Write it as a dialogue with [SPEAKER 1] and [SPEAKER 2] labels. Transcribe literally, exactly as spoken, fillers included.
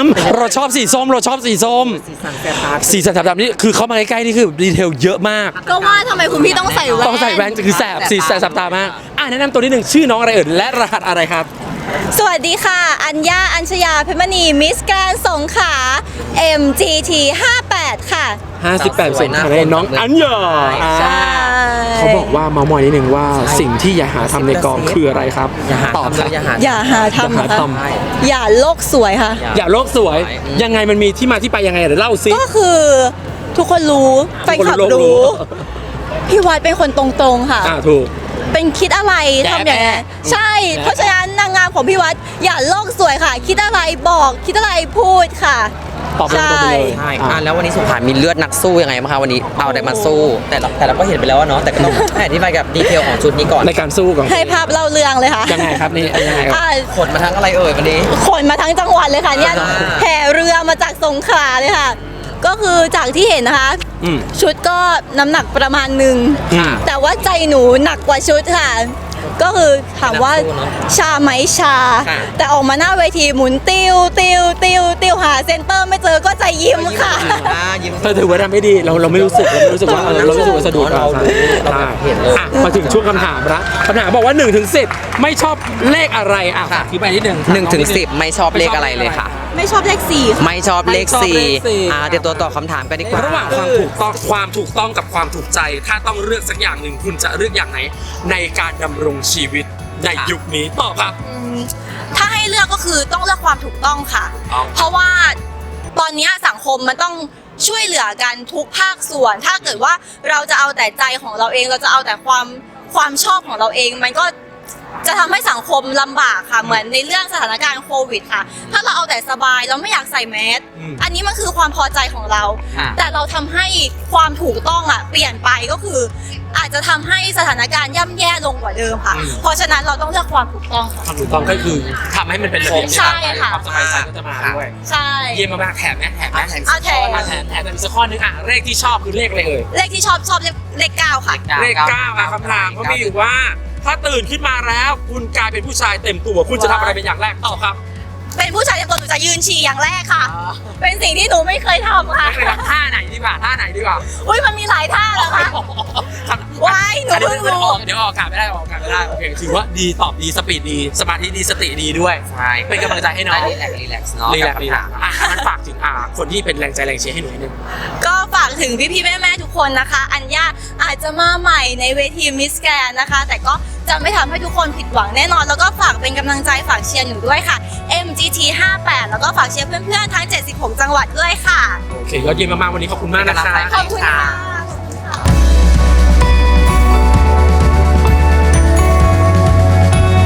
[SPEAKER 1] เราชอบสีส้มเราชอบสีส้ม
[SPEAKER 2] สีสันแสบตา
[SPEAKER 1] สีสันแสบตานี่คือเข้ามาใกล้ๆนี่คือดีเทลเยอะมาก
[SPEAKER 3] ก็ว่าทำไมคุณพี่ต้องใส่แว่น
[SPEAKER 1] ต้องใส่แว่นคือแสบสีแสบแสบตามากอ่ะแนะนำตัวนิดหนึ่งชื่อน้องอะไรเอ่ยและรหัสอะไรครับ
[SPEAKER 3] สวัสดีค่ะ อัญญา อัญชยา เพชรมณี มิสแกรนด์สงขลา เอ็ม จี ที ห้าแปด ค่ะ
[SPEAKER 1] ห้าสิบแปดส่วนคะแนนน้องอัญญาอ่า
[SPEAKER 3] ใช่
[SPEAKER 1] เขาบอกว่าเมามอยนิดหนึ่งว่าสิ่งที่อย่าหาทำในกองคืออะไรครับ
[SPEAKER 2] อย่าหา
[SPEAKER 1] ตอบ
[SPEAKER 2] ทำเลยอย่าหา
[SPEAKER 3] อย่าหาทำ
[SPEAKER 1] อย่าหา
[SPEAKER 3] นะคะ
[SPEAKER 1] ทำ
[SPEAKER 3] อย่าโลกสวยค่ะ
[SPEAKER 1] อย่าโลกสวยยังไงมันมีที่มาที่ไปยังไงเดี๋ยวเล่าซิ
[SPEAKER 3] ก็คือทุกคนรู้แฟนคลับ
[SPEAKER 1] ทุกคนรู้
[SPEAKER 3] รู้ พี่วัดเป็นคนตรงๆค่ะ
[SPEAKER 1] อ่าถูก
[SPEAKER 3] เป็นคิดอะไร
[SPEAKER 1] แดะ
[SPEAKER 3] ทำอย่างนี้น
[SPEAKER 1] แดะ
[SPEAKER 3] ใช่ เพราะฉะนั้นนางงามของพี่วัดอย่าโลกสวยค่ะ คิดอะไรบอกคิดอะไรพูดค่ะ
[SPEAKER 1] ตอบตรงๆไปเลย
[SPEAKER 2] ใช่อ่ะแล้ววันนี้สงขลามีเลือดนักสู้ยังไงบ้างคะวันนี้เอาอะไรมาสู้ แต่เราแต่เราก็เห็นไปแล้วอะเนาะแต่ก็ต้อง ให้อธิบายกับดีเทลของชุดนี้ก่อน
[SPEAKER 1] ในการสู้ของ
[SPEAKER 3] ให้ภาพเล่าเรื่องเลยค่ะ
[SPEAKER 1] ยังไงครับนี่ยังไงครับ
[SPEAKER 3] อ่า
[SPEAKER 2] ขนมาทั้งอะไรเอ่ยวันนี้
[SPEAKER 3] ขนมาทั้งจังหวัดเลยค่ะเนี่ย
[SPEAKER 2] อ่า
[SPEAKER 3] แห่เรือมาจากสงขลาเลยค่ะ ก็คือจากที่เห็นนะคะ
[SPEAKER 1] อืม
[SPEAKER 3] ชุดก็น้ำหนักประมาณหนึ่ง
[SPEAKER 1] อืม
[SPEAKER 3] แต่ว่าใจหนูหนักกว่าชุดค่ะ ก็คือถามว่า
[SPEAKER 2] นักสู้เนอะ
[SPEAKER 3] ชาไหมชา
[SPEAKER 2] ค่ะ
[SPEAKER 3] แต่ออกมาหน้าเวทีหมุนติวติวติวติวหาเซนเตอร์ไม่เจอก็ใจยิ้มค่ะ
[SPEAKER 2] อ่ายิ้ม
[SPEAKER 1] เธอถือว่าทำไม่ดีเราเราไม่รู้สึกเราไม่รู้สึกว่าเออเราไม่รู้สึกว่าสะดุด
[SPEAKER 2] เรารู้เราแบบเห็นเลย
[SPEAKER 1] อ่ะมาถึงช่วงคำถามละคำถามบอกว่าหนึ่งถึงสิบไม่ชอบเลขอะไรอ่ะ
[SPEAKER 2] ค่ะ
[SPEAKER 1] อธิบายนิดนึง
[SPEAKER 2] หนึ่งถึงสิบไม่ชอบเลขอะไรเลยค่ะ
[SPEAKER 3] ไม่ชอบเลขสี่ค่ะ
[SPEAKER 2] ไม่ชอบเลข
[SPEAKER 1] ไม่ชอบ
[SPEAKER 2] สี่
[SPEAKER 1] เลขสี่
[SPEAKER 2] อ่าเดี๋ยวตัวตอบคำถามกันดีกว่า
[SPEAKER 1] ระหว่างความถูกต้องความถูกต้องกับความถูกใจ ถ้าต้องเลือกสักอย่างหนึ่งคุณจะเลือกอย่างไหนในการดำรงชีวิตในยุคนี้ตอบครับ
[SPEAKER 3] อืมถ้าให้เลือกก็คือต้องเลือกความถูกต้องค่ะ
[SPEAKER 1] เอา
[SPEAKER 3] เพราะว่าตอนนี้สังคมมันต้องช่วยเหลือกันทุกภาคส่วน ถ้าเกิดว่าเราจะเอาแต่ใจของเราเอง เราจะเอาแต่ความความชอบของเราเอง มันก็จะทำให้สังคมลำบากค่ะ เหมือนในเรื่องสถานการณ์โควิดค่ะ ถ้าเราเอาแต่สบายเราไม่อยากใส่แมส
[SPEAKER 1] อืม
[SPEAKER 3] อันนี้มันคือความพอใจของเรา
[SPEAKER 2] ค่ะ
[SPEAKER 3] แต่เราทำให้ความถูกต้องอ่ะเปลี่ยนไปก็คือ อาจจะทำให้สถานการณ์ย่ำแย่ลงกว่าเดิมค่ะ
[SPEAKER 1] อืม
[SPEAKER 3] เพราะฉะนั้นเราต้องเลือกความถูกต้องค่ะ
[SPEAKER 1] ความถูกต้องก็คือทำให้มันเป็นระเบียบ
[SPEAKER 3] ใช่ค่ะ
[SPEAKER 1] ความสบายใจก็จะมาด้วย
[SPEAKER 3] ใช่
[SPEAKER 1] เยี่ยมมากๆแถมไหมแถมไหม
[SPEAKER 3] เอาแถม
[SPEAKER 1] อ่ะแถมแถมแต่มีสักข้อนึงอ่ะเลขที่ชอบคือเลขอะไรเอ่ย
[SPEAKER 3] เลขที่ชอบชอบเลขเลขเก้าค่ะ
[SPEAKER 1] เลขเก้าอ่ะคำถามเขามีอยู่ว่า ถ้าตื่นขึ้นมาแล้วคุณกลายเป็นผู้ชายเต็มตัว คุณจะทำอะไรเป็นอย่างแรกตอบครับ
[SPEAKER 3] เป็นผู้ชายเต็มตัวหนูจะยืนฉี่อย่างแรกค่ะ เป็นสิ่งที่หนูไม่เคยทำค่ะ
[SPEAKER 1] ไม่เคยทำท่าไหนดีกว่าท่าไหนดีกว่า
[SPEAKER 3] อุ้ยมันมีหลายท่าเหรอคะว้ายหนูเพิ่งรู้
[SPEAKER 1] เดี๋ยวออกอากาศไม่ได้ออกอากาศไม่ได้โอเคถือว่าดีตอบดีสปีดดีสมาธิดีสติดีด้วย
[SPEAKER 2] ใช่
[SPEAKER 1] เป็นกำลังใจให้น้อง
[SPEAKER 2] รีแลกซ์รีแลกซ์เนาะ
[SPEAKER 1] รีแลกซ์
[SPEAKER 2] กับ
[SPEAKER 1] รี
[SPEAKER 2] คำ
[SPEAKER 1] แล
[SPEAKER 2] ถาก ม
[SPEAKER 1] ซ์อ่ะมันฝากถึงอ่าคนที่เป็นแรงใจแรงเชียร์ให้หนูนิดนึง
[SPEAKER 3] ก็ฝากถึงพี่ๆแม่ๆทุกคนนะคะ อัญญาอาจจะมาใหม่ในเวทีมิสแกรนนะคะ แต่ก็จะไม่ทำให้ทุกคนผิดหวังแน่นอน แล้วก็ฝากเป็นกำลังใจฝากเชียร์หนูด้วยค่ะ เอ็ม จี ที ห้าแปด แล้วก็ฝากเชียร์เพื่อนๆทั้งเจ็ดสิบหกจังหวัดด้วยค่ะ
[SPEAKER 1] โอเคยอดเยี่ยมมากๆวันนี้ขอบคุณมากนะคะ
[SPEAKER 3] ขอบคุณค่ะ